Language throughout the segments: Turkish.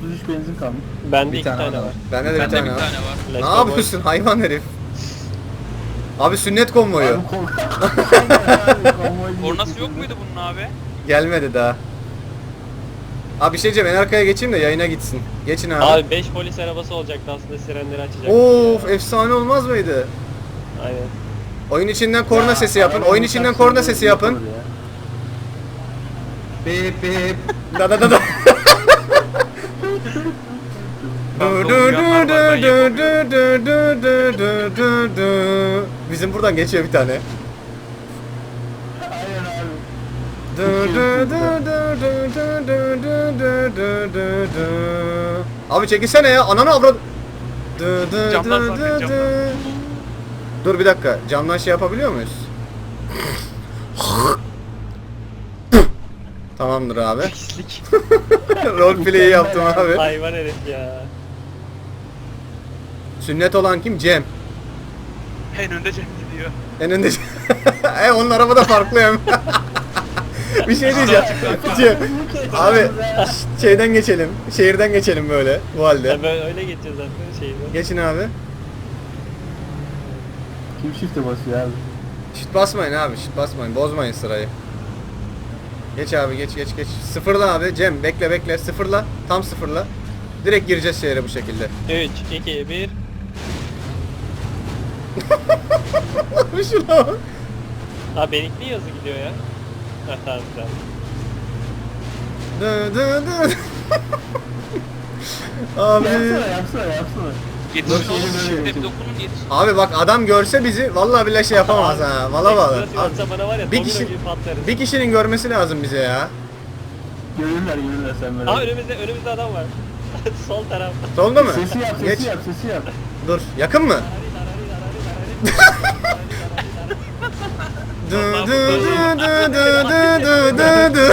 33 benzin kalmış. Bende Bir iki tane tane var. var. Bende de bir Bende tane bir var. tane var. Let's Ne go yapıyorsun hayvan herif? Abi sünnet konvoyu. Abi konvoy Kornası yok muydu bunun abi? Gelmedi daha. Abi bir şey diyeceğim, en arkaya geçeyim de yayına gitsin. Geçin abi. Abi 5 polis arabası olacaktı aslında, sirenleri açacak. Of efsane olmaz mıydı? Aynen. Oyun içinden korna sesi yapın. Oyun içinden korna sesi yapın. Bip bip. Da da da da. Bizim buradan geçiyor bir tane. Abi çekilsene ya, ananı avrat. Camdan zaten, camdan. Dur bir dakika, camdan şey yapabiliyor muyuz? Tamamdır abi. Pislik. Roleplay'i yaptım abi. Hayvan herif ya. Sünnet olan kim? Cem. En önde Cem gidiyor. En önde. Onun arabada farklı hem. Bir şey diyeceğim. Cem. Abi şeyden geçelim. Şehirden geçelim böyle bu halde. Ya böyle öyle geçeceğiz zaten şeyde. Geçin abi. Kim shift'e basıyor abi? Şit basmayın abi, şit basmayın. Bozmayın sırayı. Geç abi, geç geç geç. Sıfırla abi Cem, bekle bekle. Sıfırla. Tam sıfırla. Direkt gireceğiz şehre bu şekilde. 3, 2, 1. Şuna bak. Ha benimki yazı gidiyor ya. Ha tamam tamam. Dı dı dı. Abi. Yapsana. Yetişin Dur, oğlum, yeni şimdi böyle bir dokunun yetişin. Abi bak adam görse bizi vallahi billahi şey yapamaz ha. Valla valla. Ekstra atsa bana var ya, Bir domino kişi- gibi patlarız. Bir kişinin görmesi lazım bize ya. Görürler sen böyle. Aa önümüzde adam var. Sol taraf. Solda mı? Sesi yap, Geç. sesi yap. Dur. Yakın mı? Dı dı dı dı dı dı dı dı.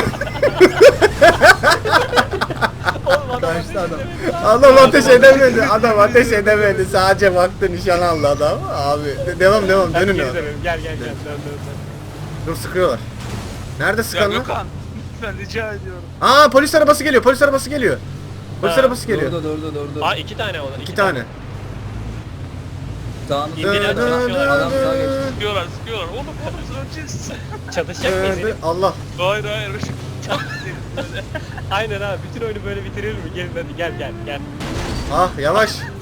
Kaçtı adam. Adam ateş edemedi. Adam ateş edemedi. Sadece baktı, nişan aldı adam. Abi devam devam, dönün abi. Gel dön. Dur, sıkıyorlar. Nerede Ya sıkanlar? Gökhan, ben rica ediyorum. Aa, polis arabası geliyor. Polis arabası geliyor. Polis Ha, arabası geliyor. Durdu. Aa 2 tane olan. İki tane. Sağını İndiler, çalışıyorlar. Adam sağa geçti. Sıkıyorlar. Oğlum öleceğiz. Çatışacak mıyız? herif? Allah. Hayır. Çok güzel böyle. Aynen abi, bütün oyunu böyle bitirir mi? Gelin hadi gel. Ah yavaş.